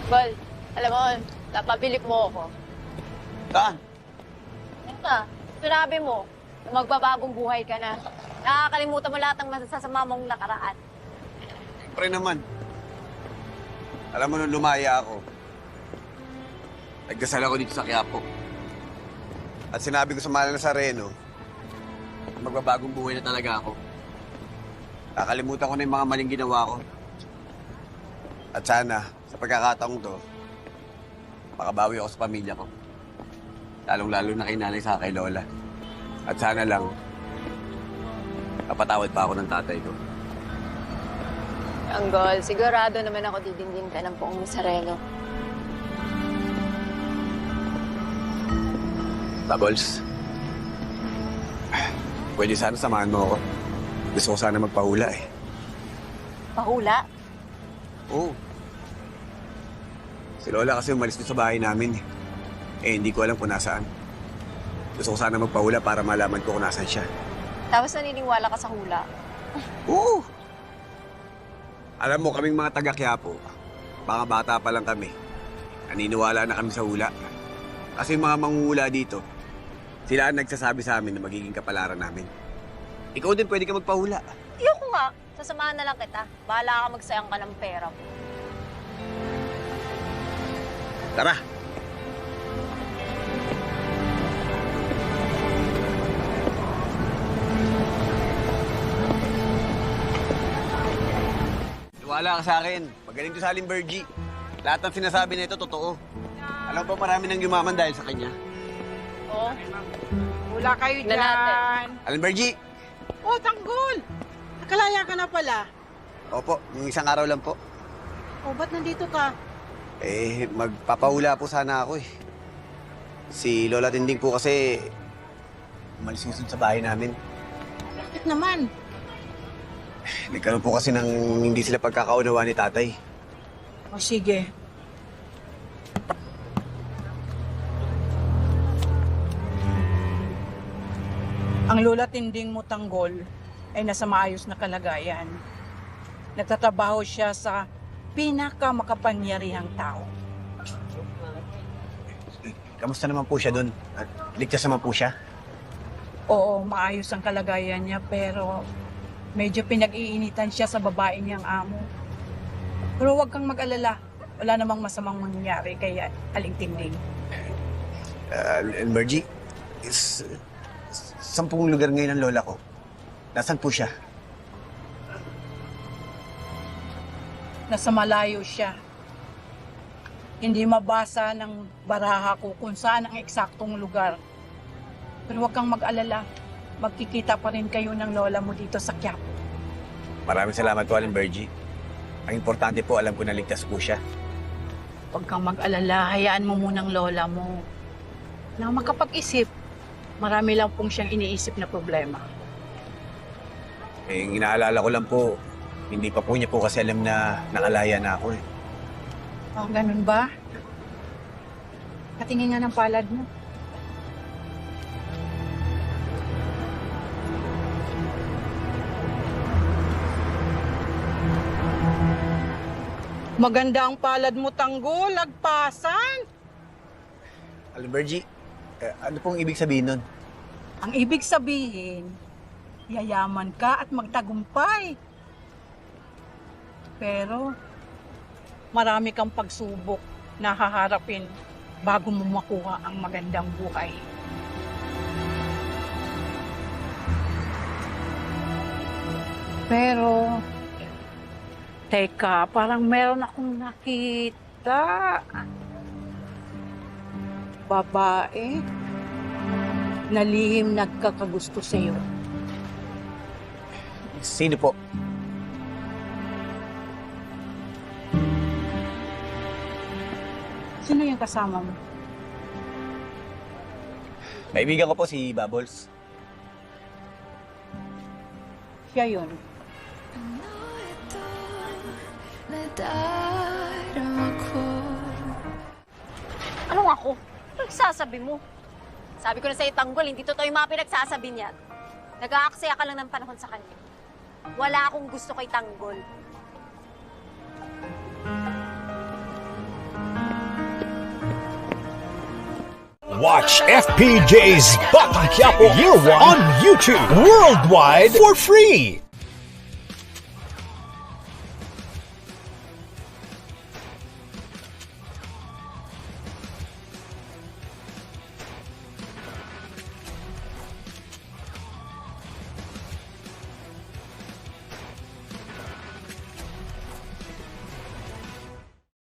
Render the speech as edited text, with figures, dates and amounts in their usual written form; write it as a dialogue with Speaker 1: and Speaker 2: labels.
Speaker 1: Well, alam mo, napabilip mo ako.
Speaker 2: Saan?
Speaker 1: Yan na, sinabi mo, na magbabagong buhay ka na. Nakakalimutan mo lahat ng masasama mong nakaraan.
Speaker 2: Siyempre naman. Alam mo, nung lumaya ako, nagdasal ako dito sa Quiapo. At sinabi ko sa Mahal na Nazareno, magbabagong buhay na talaga ako. Kakalimutan ko na yung mga maling ginawa ko. At sana, sa pagkakataong to, makabawi ako sa pamilya ko. Lalong-lalo na kay nanay sa kay lola. At sana lang, kapatawad pa ako ng tatay ko.
Speaker 1: Anggol, sigurado naman ako didindin ka ng Poong Nazareno.
Speaker 2: Bubbles, pwede sana samahan mo ako. Gusto ko sana magpahula eh.
Speaker 1: Pahula?
Speaker 2: Oo. Si Lola kasi umalis doon sa bahay namin eh. Hindi ko alam kung nasaan. Gusto ko sana magpahula para malaman ko kung nasaan siya.
Speaker 1: Tapos naniniwala ka sa hula?
Speaker 2: Oo! Alam mo, kaming mga taga-Quiapo, mga bata pa lang kami. Naniniwala na kami sa hula. Kasi yung mga manguhula dito, sila ang nagsasabi sa amin na magiging kapalaran namin. Ikaw din pwede ka magpahula.
Speaker 1: Ayoko nga. Sasamahan na lang kita. Bahala ka magsayang ka ng pera mo.
Speaker 2: Tara! Wala ka sa akin. Magaling to sa Alimbergy. Lahat ng sinasabi na ito, totoo. Alam ba marami nang yumaman dahil sa kanya?
Speaker 1: Oo.
Speaker 3: Wala kayo
Speaker 1: Na natin.
Speaker 3: dyan.
Speaker 2: Alimbergy!
Speaker 3: Oh, tanggol! Nakalaya ka na pala.
Speaker 2: Opo, yung isang araw lang po.
Speaker 3: Oh, ba't nandito ka?
Speaker 2: Magpapahula po sana ako eh. Si Lola Tinding po kasi umalis sa bahay namin.
Speaker 3: Bakit naman?
Speaker 2: Nagkaroon po kasi ng hindi sila pagkakaunawa ni tatay.
Speaker 3: O sige. Ang lola tinding mo tanggol ay nasa maayos na kalagayan. Nagtatrabaho siya sa pinakamakapangyarihang tao.
Speaker 2: Kamusta naman po siya doon? At ligtas naman po siya?
Speaker 3: Oo, maayos ang kalagayan niya pero medyo pinag-iinitan siya sa babae niyang amo. Pero huwag kang mag-alala. Wala namang masamang mangyayari kay Aling Tinding.
Speaker 2: Alimbergy, sampung lugar ngayon ang lola ko. Nasaan po siya?
Speaker 3: Nasa malayo siya. Hindi mabasa ng baraha ko kung saan ang eksaktong lugar. Pero huwag kang mag-alala. Magkikita pa rin kayo ng lola mo dito sa Quiapo.
Speaker 2: Maraming salamat po, Alimbergy. Ang importante po, alam ko na ligtas po siya.
Speaker 3: Huwag kang mag-alala. Hayaan mo munang lola mo. Na makapag-isip. Marami lang pong siyang iniisip na problema.
Speaker 2: Yung inaalala ko lang po, hindi pa po niya po kasi alam na nakalaya na ako eh.
Speaker 3: Oh, ganun ba? Katingin nga ng palad mo. Maganda ang palad mo, tanggol. Lagpasan.
Speaker 2: Alimbergy, ano pong ibig sabihin nun?
Speaker 3: Ang ibig sabihin, yayaman ka at magtagumpay. Pero, marami kang pagsubok na haharapin bago mo makuha ang magandang buhay. Pero, teka, parang meron akong nakita. Babae na lihim nagkakagusto sa'yo.
Speaker 2: Sino po?
Speaker 3: Sino yung kasama mo?
Speaker 2: Kaibigan ko po si Bubbles.
Speaker 3: Siya yun.
Speaker 1: Anong ako? Anong sasabi mo? Sabi ko na sa'yo, tanggol, hindi totoo yung mga pinagsasabi niya. Nag-aaksaya ka lang ng panahon sa kanya. Wala akong gusto kay tanggol.
Speaker 4: Watch FPJ's Batang Quiapo Year 1 on YouTube worldwide for free.